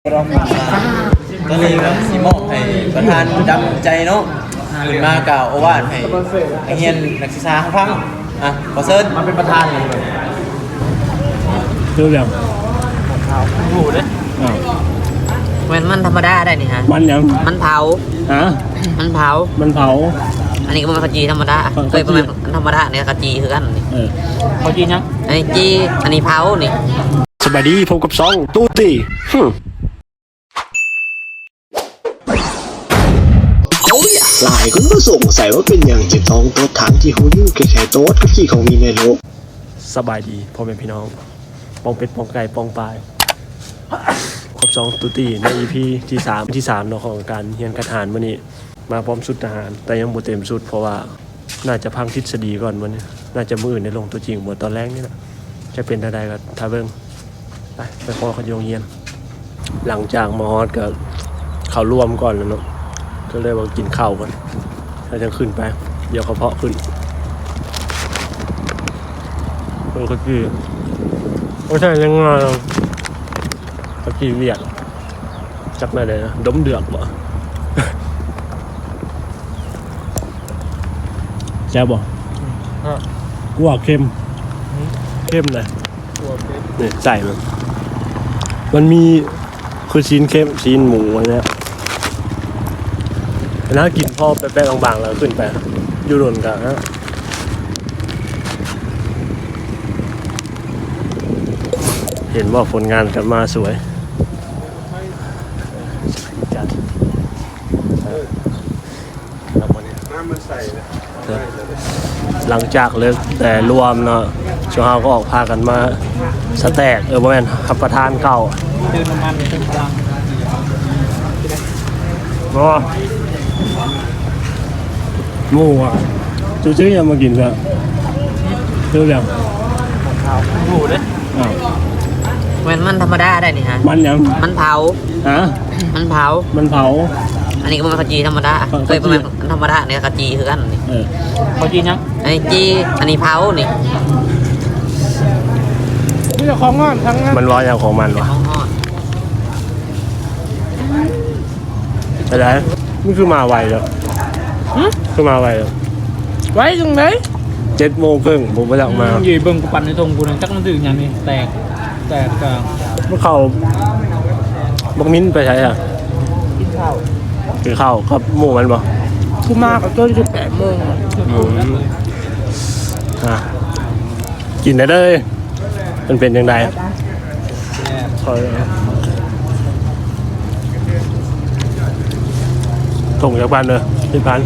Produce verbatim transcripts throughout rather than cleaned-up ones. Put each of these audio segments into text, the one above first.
ตอนนี้ครับสีมอบให้ประธานดำใจเนาะขึ้นมากล่าวโอวาทให้นักเรียนนักศึกษาฟังอ่ะขอเชิญมาเป็นประธานเลยดูอย่างหูเลยมันมันธรรมดาได้นี่ฮะมันยังมันเผาฮะมันเผามันเผาอันนี้ก็มันขจีธรรมดาเคยประมาณธรรมดาเนี่ยขจีคือกันนี่เออขจียังอันนี้จีอันนี้เผานี่สบายดีพบกับซองตู้ตีหลายคนก็สงสัยว่าเป็นอย่างเจ็บท้องโต๊ดถังที่เขาอยู่แค่ๆโต๊ดก็ที่เขามีในโลกสบายดีพ่อแม่พี่น้องปองเป็ดปองไก่ปองปลายครบสองตุตีใน อี พี ที่สามที่สามเนาะของการเรียนกระฐานมื้อนี้มาพร้อมชุดทหารแต่ยังบ่เต็มชุดเพราะว่าน่าจะพังทฤษฎีก่อนมื้อนี้น่าจะมื้ออื่นได้ลงตัวจริงบ่ตอนแรกนี่แหละจะเป็นใดๆก็ถ้าเบิ่งไปไปขอเขาโรงเรียนหลังจากมอฮอดก็เข้ารวมก่อนแล้วเนาะก็เลยว่ากินข้าวก่อนแล้วจะขึ้นไปเดี๋ยวเขาเพาะขึ้นเออก็คือไม่ใช่ยังไงก็คือเวียดจับได้เลยนะดมเดือกบ่แซ่บบ่กัวเค็มเข้มเลยนี่ใส่มันมันมีคือชิ้นเข้มชิ้นหมูอะไรเนี้ยน่ากินพอแป๊ะๆบางๆแล้วขึ้นไปยูโรนกันฮะเห็นว่าผลงานกันมาสวยจัดหลังจากเลิกแต่รวมเนาะช่วงเฮาก็ออกพากันมาสแต็กเออบ่แม่นขับประทานเก่าเดินน้ำมันเติมพลังบ่หมูอ่ะจูจื้อยังมากินซะเรื่องอย่างหูเลยอ้าวมันมันธรรมดาได้นี่ฮะมันยังมันเผาฮะมันเผามันเผาอันนี้ก็มันขจีธรรมดาเคยประมาณธรรมดาเนี่ยขจีคือกันนี่เออขจียังอันนี้จีอันนี้เผานี่นี่จะของงอนทั้งนั้นมันร้อยอย่างของมันวะอะไรนี่คือมาไวแล้วคือมาไวแล้วไว้ตรงไหนเจ็ดโมงครึ่งผมไปจากมาอยู่เบิ่งกูปั่นในตรงกูนึงจักมันถึงอย่างนี้แตกแตกกลางเมื่อเขาบักมิ้นไปใช้อ่ะกินข้าวกินข้าวครับหมูมันบ่กูมากับต้นจุดแปดโมงอ่ะกินได้เลยมันเป็นยังไงคอยส่งจากบ้านเลยที่บ้าน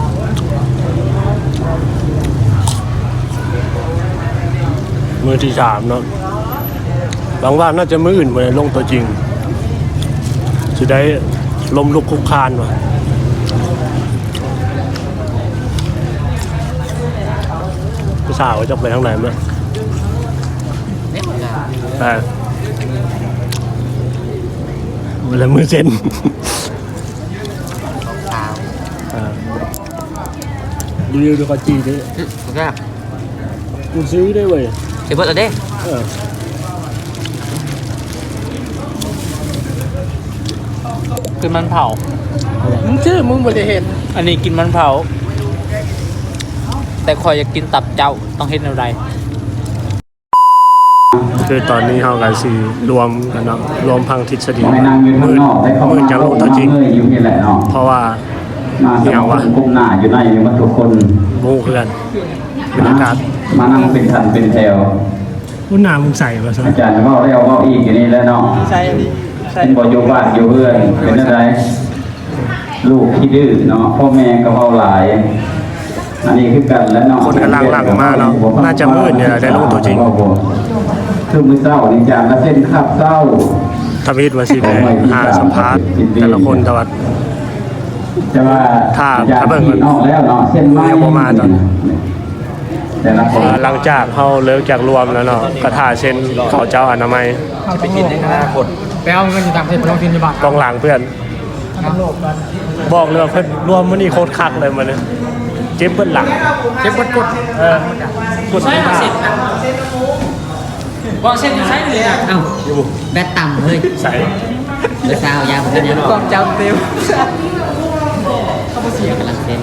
มือที่สามเนาะบางว่าน่าจะมืออื่นไปลงตัวจริงจะได้ลมลุกคุกคานว่ะผู้สาวจะไปทางไหนมั้ยแต่เวลามือเซ็นรีวิวดูขจีดิกูซื้อได้เว้ยเดี๋ยวเปิดเอาเด้กินมันเผามึงชื่อมึงบริเหตุอันนี้กินมันเผาแต่คอยอยากกินตับเจ้าต้องเฮ็ดอะไรคือตอนนี้เขากันสี่รวมกันเนาะรวมพังทฤษฎีมืดมืดจะลงตัวจริงเพราะว่าอย่างว่าก้มหน้าอยู่ในวัตถุคนโม่เพื่อนบรรยากาศมานั่งเป็นสันเป็นแถวคุณน้ามึงใส่ป่ะอาจารย์ว่าเราว่าอีกอย่างนี้แล้วเนาะใช่ใช่บ่อยู่บ้านอยู่เพื่อนเป็นอะไรลูกที่ดื้อเนาะพ่อแม่ก็เบาหลายอันนี้คือกันแล้วเนาะคนกำลังหลังมาเนาะน่าจะมืดเนี่ยได้ลงตัวจริงคือมือเศร้านี่จางละเส้นขับเศร้าทวิตว่าสิหาสัมภาษณ์แต่ละคนตลอดจะว่าถ้าถ้าเบิ่งออกแล้วเนาะเส้นไม้ประมาณตอนหลังจากเขาเลิกจากรวมแล้วเนาะกระถาเช่นเขาเจ้าอนามัยไปกินในอนาคตไปเอาเงินอยู่ต่างประเทศไปลงทุนในบ้านกองหลังเพื่อนบอกเลยเพื่อนรวมมันนี่โคตรคักเลยมันเนี่ยเจ็บเบิ้ลหลังเจ็บเบิ้ลกดเออกดไม่ได้บอกเส้นใช้เลยอ่ะเอ้าแบตต่ำเลยใส่เลือดซาวยาวเหมือนกันเนี่ยกองจำเต็มกำลังเป็น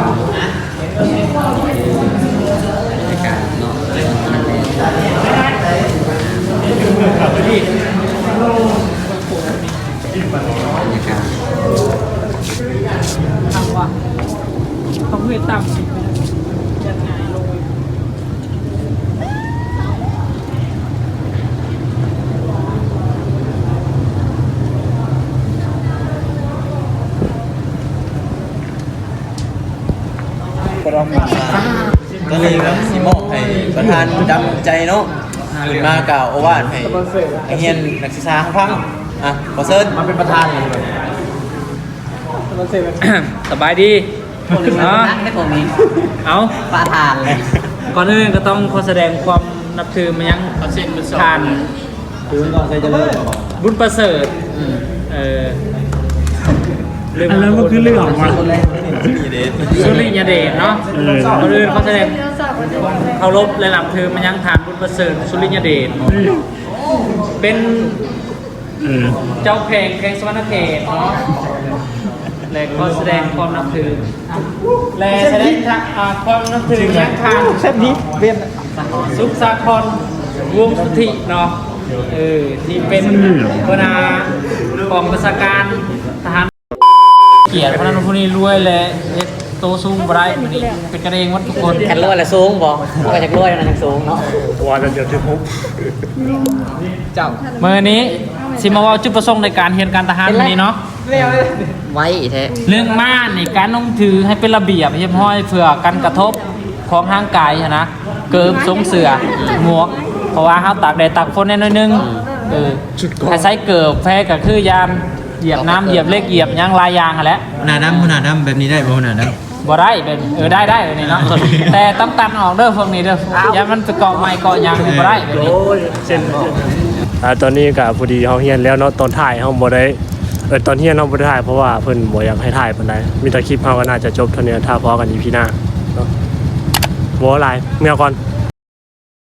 บรรยากาศเนาะบรรยากาศทำว่ะเขาเพื่อต่ำยังไงลงก็เลยแบบสิมอบให้ประธานดำใจเนาะขึ้นมากล่าวโอวาทให้ไอเฮียนนักศึกษาทั้งพังอ่ะขอเชิญมาเป็นประธานเลยสบายดีคนอื่นเนาะนั่งให้ผมมีเอาปลาทานเลยก่อนอื่นก็ต้องขอแสดงความนับถือมายังทานถือก่อนใครจะเลิกบุญประเสริฐเออลืมอันนั้นก็คือเรื่องของมันนี่เด็ดสุริยเดชเนาะก่อนอื่นเขาแสดงเคารพและนับถือมายังทานบุญประเสริฐสุริยเดชเป็นเออเจ้าเพลงเพลงสวรรณเขตเนาะและก็แสดงความนับถือและแสดงอ่าความนับถือยังทางเส้นนี้เวียนสุขสาครวงสุทธิเนาะเออที่เป็นหัวหน้ากองประชาการทหารเกียรติพระนันทพนี้รวยและเฮ็ดโตสูงบ่ได้มื้อนี้เป็นกันเองหมดทุกคนแคนรวยและสูงบอกก็จากรวยนั่นยังสูงเนาะว่าจะเดี๋ยวที่ผมมื้อนี้สิมาเว่าจุดประสงค์ในการเรียนการทหารมื้อนี้เนาะไว้แท้เรื่องม่านในการต้องถือให้เป็นระเบียบเรียบร้อยเพื่อกันกระทบของทางกายนะเกิบทรงเสือหมวกเพราะว่าเขาตากแดดตากฝนแน่น้อยนึงเออถ้าใช้เกิบแพ้ก็คือยามเหยียบน้ำเหยียบเล็กเหยียบยางลายยางอะแหละหนาดำหนาดำแบบนี้ได้บ่หนาดำบ่ได้เป็นเออได้ได้แบบนี้เนาะ แต่ต้องตัดออกเด้อพวกนี้เด้อยามมันไปเกาะไม้เกาะยางนี่บ่ได้แบบนี้เช่นอ่าตอนนี้ก็พอดีเฮาเฮียนแล้วเนาะตอนถ่ายเฮาบ่ได้เออตอนเฮียนเฮาบ่ได้ถ่ายเพราะว่าเพิ่นบ่อยากให้ถ่ายปานใดมีแต่คลิปเฮาก็น่าจะจบเท่านี้ถ้าพอกัน อี พี หน้าเนาะบ่หลายเมื่อก่อน